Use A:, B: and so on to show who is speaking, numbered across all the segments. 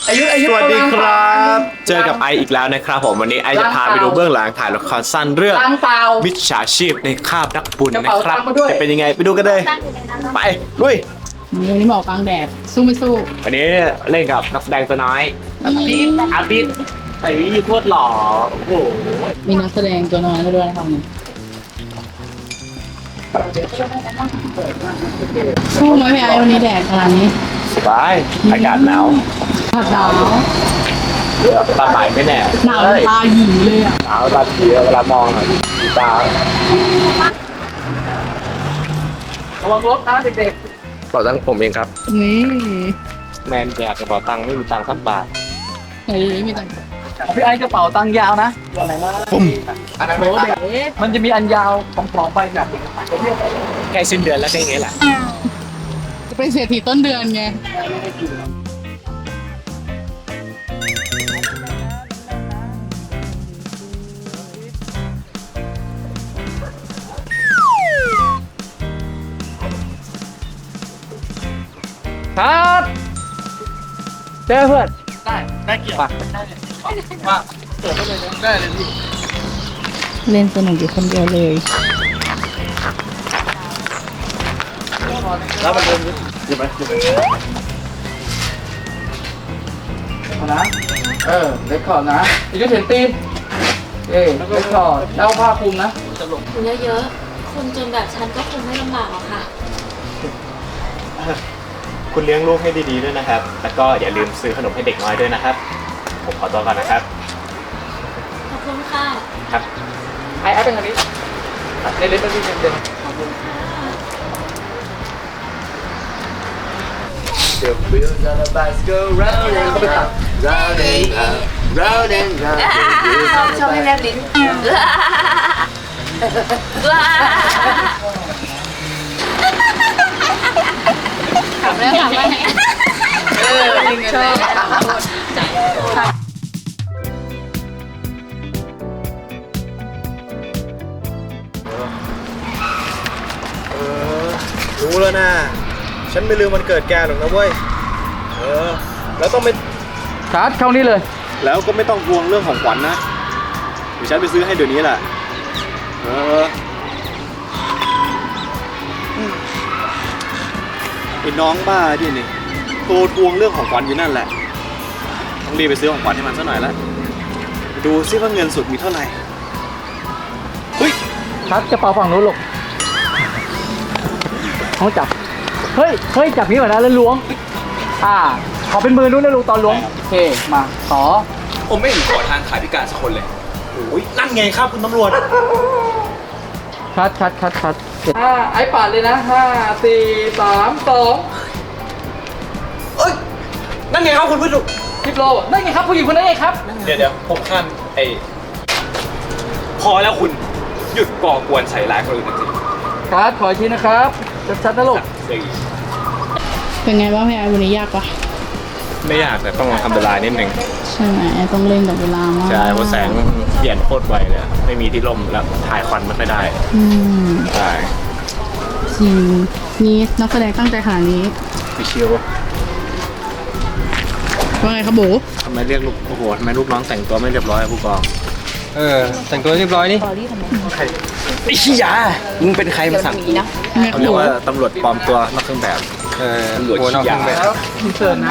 A: สวัสดีครับ เจอกับไออีกแล้วนะครับผมวันนี้ไอจะพาไปดูเบื้องหลังถ่ายละครสั้นเรื่องมิจฉาชีพในคาบนักบุญนะครับจะเป็นยังไงไปดูกันเลยไปลุย
B: วันนี้หมอกลางแดดสู้ไม่สู้
A: วันนี้เล่นกับนักแสดงตัวน้อยอาบิดไอ้วิโคตรหล่อโอ้โห
B: มีนักแสดงตัวน้อยมาด้วยนะครับสู้ไหมพี่ไอวันนี้แดดขนาดนี้
A: สบายอากาศหนาว
B: ผัดหนาว
A: ตาใหม่ไม่แน่
B: หนาวตาหยีเลยอ่ะ
A: หนาวตาเขียวเวลามองตา
C: ระวังรถนะเด็ก
A: เป๋าตังผมเองครับ
B: นี่
A: แมนแจกกระเป๋าตังค์ไม่มีตังค์สักบาท
B: เฮ้ยมีตังค์
C: ๆพี่ไอ้กระเป๋าตังค์ยาวนะอะไรนะ
A: ปุ้ม
C: โหเด็กมันจะมีอันยาวของไปแบบ
A: ใกล้สิ้นเดือนแล้วก็อย่างเงี้ยแหละ
B: จะเป็นเศรษฐีต้นเดือนไง
C: ครับเจอเพื่อน
A: ได้เกี่ยว
C: มาเปิดเลยได้เลยพี่
B: เล่นสนุกอยู่คนเดียวเลย
C: แล้วมันเดินอยู่ไหมนะเล็กคอร์ดนะอีกก็เห็นตีนเล็กคอร์ดแล้วผ้าคลุมนะ
D: เยอะๆ คนจนแบบฉันก็คงไม่ลำบากหรอกค่ะ
A: คุณเลี้ยงลูกให้ดีๆด้วยนะครับ แล้วก็อย่าลืมซื้อขนมให้เด็กน้อยด้วยนะครับ ผมขอตัวก่อนนะครับ
D: ขอบคุณค่ะ
A: ครับ
C: ไอ้เป็นทางนี้เล่นๆไปพี่เด่น
D: ขอบคุณค่ะ
C: The wheels on the bus go round and round, round and round, round and round.
D: ชอบให้แลบลิ้นขับแล้วขับแล้วชอบ
A: รู้แล้วนะ ฉันไม่ลืมวันเกิดแกหรอกนะเว้ย แล้วต้องไม่
C: ชาร์จเข้านี่เลย
A: แล้วก็ไม่ต้องห่วงเรื่องของขวัญนะ เดี๋ยวฉันไปซื้อให้เดี๋ยวนี้แหละไอ้น้องบ้าดินี่โตทวงเรื่องของขวัญอยู่นั่นแหละ ต้องรีบไปซื้อของขวัญให้มันซะหน่อยละดูซิว่าเงินสดมีเท่าไหร่เฮ้ย
C: ชาร์จกระเป๋าฝั่งนู้นลูกเขาจับ เฮ้ย จับนี้ก่อนนะแล้วล้วง ขอเป็นมือนู้นนะลูกตอนล้วง โอเค มาต่อ
A: ผมไม่เห็นขอทานขายพิการสักคนเลยโอ้ยนั่นไงครับคุณตำรวจ
C: ชัดไอ้ปาดเลยนะ5 4 3 2
A: เอ้ย นั่นไงครับคุณผู้ชม
C: คลิปโลนั่นไงครับผู้หญิงคนนั้นเองครับ
A: เดี๋ยวผมขั้นพอแล้วคุณหยุดก่อกวนใส่ร้ายคนอื่นจริง
C: ครับขออีกทีนะครับชัดๆนะลูก
B: เป็นไงบ้างพี่ไอวันนี้ยากปะ
A: ไม่ยากแต่ต้องทำเวลานิดนึง
B: ใช่ไหมต้องเล่นกับเวลามาก
A: ใช่เพราะแสงเปลี่ยนโคตรไวเลยไม่มีที่ร่มแล้วถ่ายควันไม่ค่อยได้
B: อืม
A: ใช่
B: จริงนี่นักแสดงตั้งใจขนาดนี้
A: พี่เชียว
B: ว่าไงครับโบ
A: ทำไมเรียกลูกโอ้โหทำไมลูกน้องแต่งตัวไม่เรียบร้อยผู้กอง
E: แต่งตัวเรียบร้อยนี่
A: ไอ้ขี้ยามึงเป็นใครมาสั่ง
B: แม่
A: เขา
B: โข
A: เรียกว่าตำรวจปลอมตัวนอกเครื่องแบบ ตำรวจ
E: โอ้นอก
A: ขี้
E: เครื่
A: ยา
E: องแบบ
C: แล้วอินเสิร์ตนะ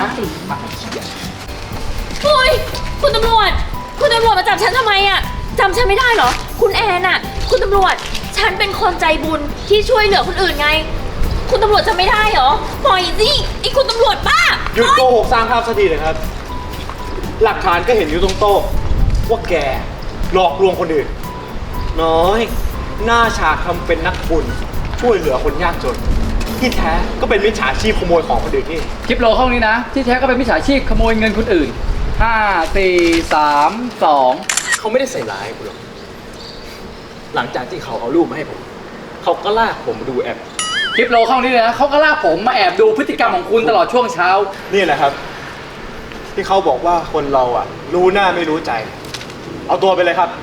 D: โอ้ยคุณตำรวจ คุณตำรวจมาจับฉันทำไมอ่ะจำฉันไม่ได้เหรอ คุณแอนอ่ะ คุณตำรวจ ฉันเป็นคนใจบุญที่ช่วยเหลือคนอื่นไง คุณตำรวจจำไม่ได้เหรอ ปล่อยสิไอ้คุณตำรวจบ้า
A: หยุดโกหกสร้างภาพสักทีเลยครับ หลักฐานก็เห็นอยู่ตรงโต๊ะว่าแกหลอกลวงคนอื่น น้อย หน้าฉากทำเป็นนักบุญช่วยเหลือคนยากจน ที่แท้ก็เป็นมิจฉาชีพขโมยของคนอื่นที่
C: คลิปโลห้องนี้นะ ที่แท้ก็เป็นมิจฉาชีพขโมยเงินคนอื่น 5 4 3 2
A: เขาไม่ได้ใส่ร้ายคุณหรอก หลังจากที่เขาเอารูปมาให้ผม เขาก็ลากผมมาดูแอป
C: คลิปโลห้องนี้เลยนะเขาก็ลากผมมาแอบดูพฤติกรรมของคุณตลอดช่วงเช้า
A: นี่แหละครับ ที่เขาบอกว่าคนเราอ่ะ รู้หน้าไม่รู้ใจ เอาตัวไปเลยครับ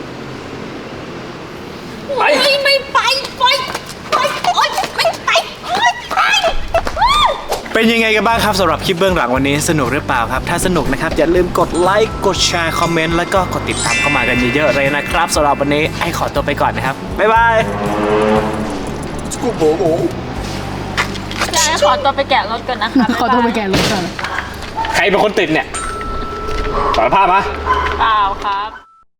A: ไป
D: ไม่ไปโอ๊ยไม่ไปโอ๊ยไป
A: ไปเป็นยังไงกันบ้างครับสำหรับคลิปเบื้องหลังวันนี้สนุกหรือเปล่าครับถ้าสนุกนะครับอย่าลืมกดไลค์กดแชร์คอมเมนต์แล้วก็กดติดตามเข้ามากันเยอะๆเลยนะครับสำหรับวันนี้ไอ้ขอตัวไปก่อนนะครับบ๊ายบาย
D: พี่ไอ้ขอตัวไปแกะรถก่อนนะคะ
B: ขอตัวไปแกะรถก่อน
A: ใครเป็นคนติดเนี่ยสารภาพมา
D: เปล่าครับ